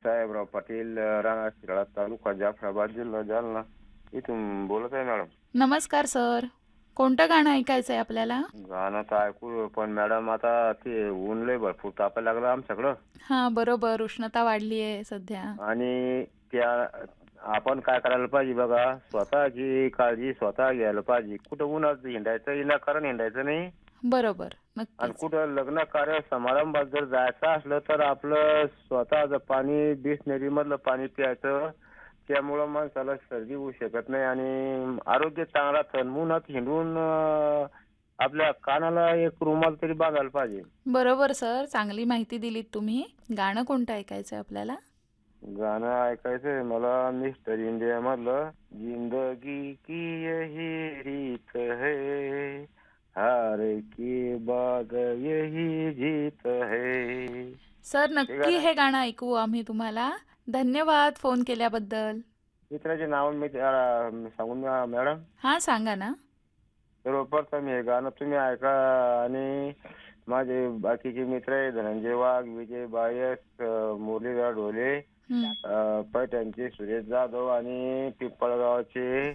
साहेबराव पाटील, राणा शिराळा तालुका जाफराबाद जिल्हा जालना इथून बोलत आहे मॅडम. नमस्कार सर. कोणतं गाणं ऐकायचं आहे आपल्याला? गाणं तर ऐकू, पण मॅडम आता ते ऊन लय भरपूर तापायला लागलं आमच्याकडं. हां, बरोबर. उष्णता वाढली आहे सध्या. आणि त्या आपण काय करायला पाहिजे बघा, स्वतःची काळजी स्वतः घ्यायला पाहिजे. कुठं उन्हात हिंडायचं विनाकारण हिंडायचं नाही. बरोबर. आणि नक्कीच. कुठं लग्न कार्य समारंभात जर जायचं असलं तर आपलं स्वतःचं पाणी बिसलेरी मधलं पाणी प्यायचं. त्यामुळं माणसाला सर्दी होऊ शकत नाही आणि आरोग्य चांगला राहतं. उन्हात हिंडून आपल्या कानाला एक रुमाल तरी बांधायला पाहिजे. बरोबर सर. चांगली माहिती दिलीत तुम्ही. गाणं कोणतं ऐकायचं आहे आपल्याला? गाणं ऐकायचंय मला मिस्टर इंडिया मधलं, जिंदगी की यही रीत है, हार की बाद यही जीत है. सर हे नक्की गाणं हे गाणं ऐकू आम्ही तुम्हाला. धन्यवाद फोन केल्याबद्दल. मित्राचे नाव मी सांगून द्या मॅडम. हां, सांगा ना. सर्वप्रथम हे गाणं तुम्ही ऐका आणि माझे बाकीचे मित्र आहे धनंजय वाघ, विजय बायस, मुरलीधर ढोले, हं. पैठणचे सुरेश जाधव आणि पिंपळगावचे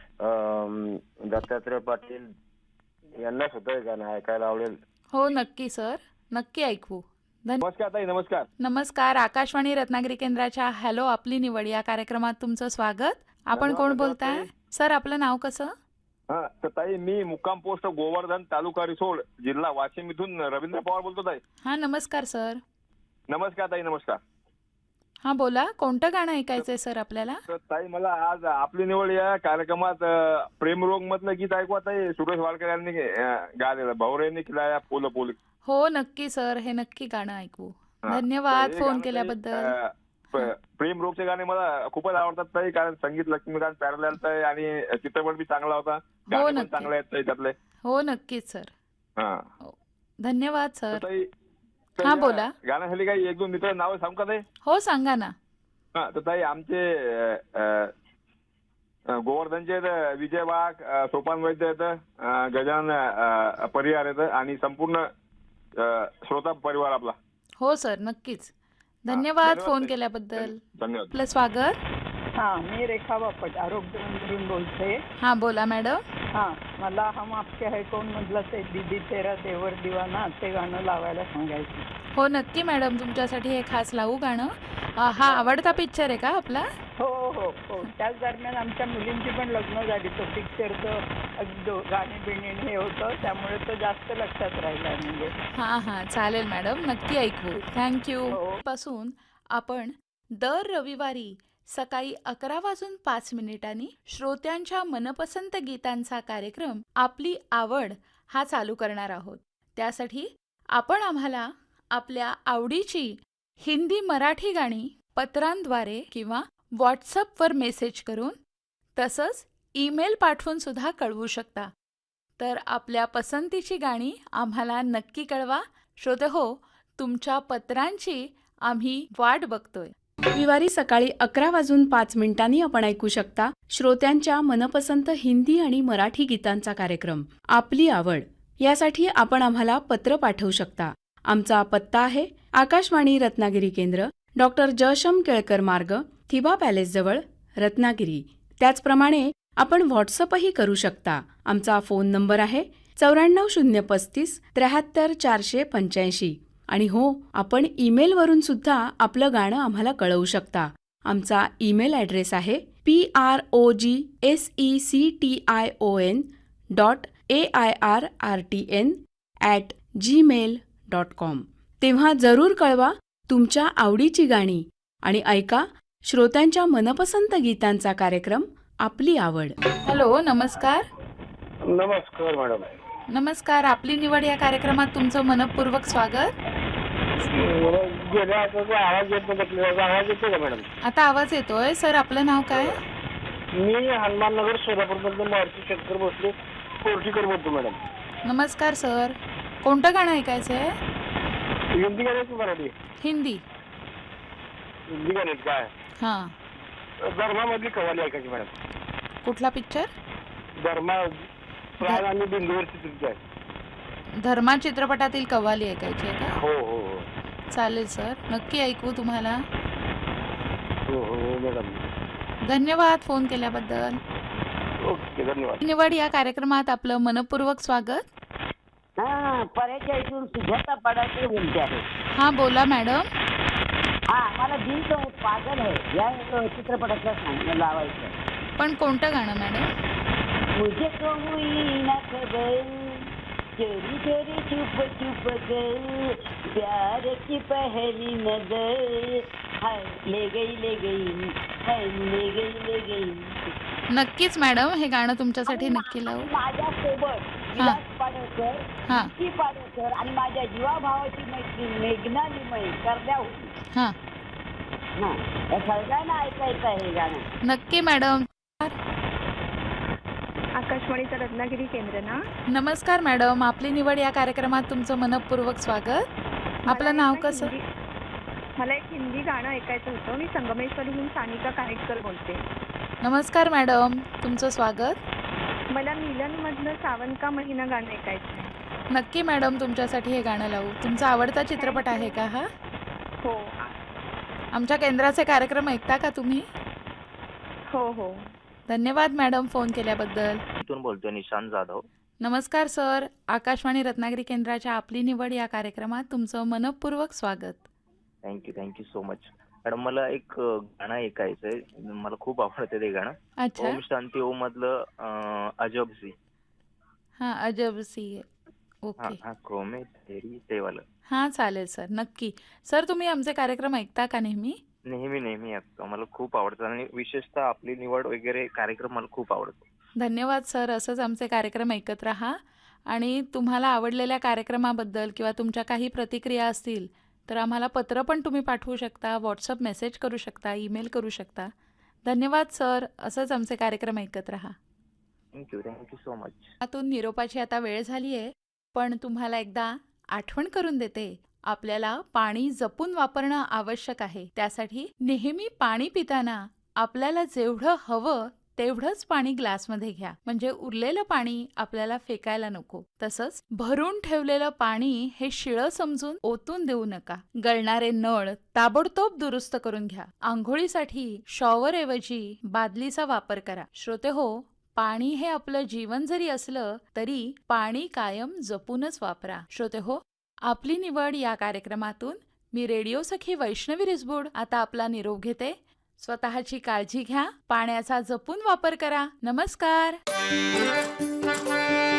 दत्तात्रय पाटील यांना सुद्धा हे गाणं ऐकायला आवडेल. हो, नक्की सर. नक्की ऐकू. नमस्कार ताई, नमस्कार. नमस्कार. आकाशवाणी रत्नागिरी केंद्राच्या हॅलो आपली निवड या कार्यक्रमात तुमचं स्वागत. आपण धन्यवाद, कोण धन्यवाद बोलताय? ताई. सर आपलं नाव कसं? हा तर ताई, मी मुक्काम पोस्ट गोवर्धन, तालुका रिसोड, जिल्हा वाशिम इथून रवींद्र पवार बोलतो ताई. हां, नमस्कार सर. नमस्कार ताई, नमस्कार. हां, बोला. कोणतं गाणं ऐकायचंय सर आपल्याला? तर ताई, मला आज आपली निवड या कार्यक्रमात प्रेमरोग मधलं गीत ऐकवा ताई. सुरेश वाडकर यांनी गायलेलं, भाऊर यांनी केला पोल पोल. हो, नक्की सर. हे नक्की गाणं ऐकू. हा. धन्यवाद तर हे फोन गाणं ताई, केल्याबद्दल. प्रेम रोगचे गाणे मला खूपच आवडतात ताई, कारण संगीत लक्ष्मीकांत प्यारलाल ताई आणि चित्रपट बी चांगला होता. गाणे पण नक्की. चांगले आहेत ताई त्यातले. हो, नक्कीच सर. हा हो. धन्यवाद तर सर. ताई, तर हां, या बोला. गाण्याखाली काही एक दोन मित्र नाव सांगू का ताई? हो, सांगा ना. हा तर ताई, आमचे गोवर्धनचे आहेत विजय वाघ, सोपान वैद्य आहेत, गजानन परिवार आहेत आणि संपूर्ण श्रोता परिवार आपला. हो सर, नक्कीच. हा, धन्यवाद फोन ताई. केल्याबद्दल. धन्यवाद. आपलं स्वागत. हाँ, मी रेखा बापट आरोग्यमंत्रीतून बोलते. हां, बोला मॅडम. हाँ, मला हम आपके है कौन मधलं ते दीदी तेरा देवर दिवाना ते गाणं लावायला सांगायचं. हो, नक्की मॅडम. तुमच्यासाठी हे खास लावू गाणं. हा आवडता पिक्चर आहे का आपला? हो हो हो. त्याच दरम्यान आमच्या मुलींची पण लग्न झाली. तो पिक्चरचं गाणी बिणी हे होतं, त्यामुळे तो जास्त लक्षात राहिला. म्हणजे हां हां, चालेल मॅडम. नक्की ऐकू. थँक्यू. हो. पासून आपण दर रविवारी सकाळी 11:05 श्रोत्यांच्या मनपसंत गीतांचा कार्यक्रम आपली आवड हा चालू करणार आहोत. त्यासाठी आपण आम्हाला आपल्या आवडीची हिंदी मराठी गाणी पत्रांद्वारे किंवा व्हॉट्सअपवर मेसेज करून तसंच ईमेल पाठवून सुद्धा कळवू शकता. तर आपल्या पसंतीची गाणी आम्हाला नक्की कळवा. श्रोतेहो, तुमच्या पत्रांची आम्ही वाट बघतोय. रविवारी सकाळी 11:05 आपण ऐकू शकता श्रोत्यांच्या मनपसंत हिंदी आणि मराठी गीतांचा कार्यक्रम आपली आवड. यासाठी आपण आम्हाला पत्र पाठवू शकता. आमचा पत्ता आहे आकाशवाणी रत्नागिरी केंद्र, डॉक्टर जयशम केळकर मार्ग, थिबा पॅलेसजवळ, रत्नागिरी. त्याचप्रमाणे आपण व्हॉट्सअपही करू शकता. आमचा फोन नंबर आहे 94 035 73 485. आणि हो, आपण ईमेलवरून सुद्धा आपलं गाणं आम्हाला कळवू शकता. आमचा ईमेल ॲड्रेस आहे progsection.airrtn@gmail.com. तेव्हा जरूर कळवा तुमच्या आवडीची गाणी आणि ऐका श्रोत्यांच्या मनपसंत गीतांचा कार्यक्रम आपली आवड. हॅलो, नमस्कार. नमस्कार मॅडम. नमस्कार. आपली निवड या कार्यक्रमात तुमचं मनपूर्वक स्वागत. गेल्या आवाज येत नाही, आवाज येतो का मॅडम? आता आवाज येतोय. सर आपलं नाव काय? मी हनुमाननगर सोलापूर मधून मारुती शंकर भोसले कोर्टीकर बोलतो मॅडम. नमस्कार सर. कोणतं गाणं ऐकायचं आहे? हिंदी गाण्याची मराठी? हिंदी. हिंदी गाण्यात काय हां. धर्मामधली कवाली ऐकायची मॅडम. कुठला पिक्चर? धर्मा प्राण आणि बिंदूवर चित्रित आहे. धर्मा चित्रपटातील कव्वाली ऐकायची आहे का? हो हो हो. चालेल सर. नक्की ऐकू तुम्हाला. हो मॅडम. धन्यवाद फोन केल्याबद्दल. ओके, धन्यवाद. निवड या कार्यक्रमात आपलं मनपूर्वक स्वागत. हा, पर्याच्या इथून सुजाता पडाके बोलते आहे. हा बोला मॅडम. हा, मला दिल तो पागल है या चित्रपटाचं सांग लावायचं. पण कोणतं गाणं मॅडम? मुझे तो हुई ना खबर चोरी चोरी चुप चुप कर प्यार की पहली नजर हाय ले गई हाय ले गई. नक्कीच मॅडम, हे गाणं तुमच्यासाठी नक्की लावू. माझ्यासोबत विलास पाडळकर, हा. विकी पाडळकर आणि माझ्या जीवाभावाची मैत्रीण मेघना लिमये करद्या होती. हां, हा, या सगळ्यांना ऐकायचं आहे हे गाणं. नक्की मॅडम. आकाशवाणीचं रत्नागिरी केंद्र ना. नमस्कार मॅडम, आपली निवड या कार्यक्रमात तुमचं मनपूर्वक स्वागत. आपलं नाव कसं? मला एक हिंदी गाणं ऐकायचं होतं. मी संगमेश्वरीहून सानिका कानेटकर बोलते. नमस्कार मॅडम, तुमचं स्वागत. मला मिलनमधलं सावन का महिना गाणं ऐकायचं आहे. नक्की मॅडम, तुमच्यासाठी हे गाणं लावू. तुमचा आवडता चित्रपट आहे का हा? हो आमच्या केंद्राचे कार्यक्रम ऐकता का तुम्ही? हो हो. धन्यवाद मॅडम फोन केल्याबद्दल. इथून बोलतोय निशांत जाधव. नमस्कार सर, आकाशवाणी रत्नागिरी केंद्राच्या आपली निवड या कार्यक्रमात तुमचं मनपूर्वक स्वागत. Thank you so much. मॅडम, मला एक गाणं ऐकायचंय. मला खूप आवडतं ते गाणं. अच्छा. ओम शांती ओम मधलं अजब सी. हां, अजब सी. हा ओके. हा क्रोमे तेरी ते वालं. हां, चालेल सर, नक्की. सर, तुम्ही आमचे कार्यक्रम ऐकता का नेहमी? नेहमी ऐकतो. मला खूप आवडतं आणि विशेषतः आपली निवड वगैरे कार्यक्रम मला खूप आवडतो. धन्यवाद सर, असंच आमचे कार्यक्रम ऐकत राहा. आणि तुम्हाला आवडलेल्या कार्यक्रमाबद्दल किंवा तुमच्या काही प्रतिक्रिया असतील तर आम्हाला पत्र पण तुम्ही पाठवू शकता, व्हॉट्सअप मेसेज करू शकता, ईमेल करू शकता. धन्यवाद सर, असंच आमचे कार्यक्रम ऐकत राहा. Thank you so much. यातून निरोपाची आता वेळ झाली आहे, पण तुम्हाला एकदा आठवण करून देते. आपल्याला पाणी जपून वापरणं आवश्यक आहे. त्यासाठी नेहमी पाणी पिताना आपल्याला जेवढं हवं तेवढंच पाणी ग्लासमध्ये घ्या, म्हणजे उरलेलं पाणी आपल्याला फेकायला नको. तसंच भरून ठेवलेलं पाणी हे शिळं समजून ओतून देऊ नका. गळणारे नळ ताबडतोब दुरुस्त करून घ्या. आंघोळीसाठी शॉवर ऐवजी बादलीचा वापर करा. श्रोते हो, पाणी हे आपलं जीवन जरी असलं तरी पाणी कायम जपूनच वापरा. श्रोते हो, आपली निवड या कार्यक्रमातून मी रेडिओ सखी वैष्णवी रिसबूड आता आपला निरोप घेते. स्वतःची काळजी घ्या, पाण्याचा जपून वापर करा. नमस्कार.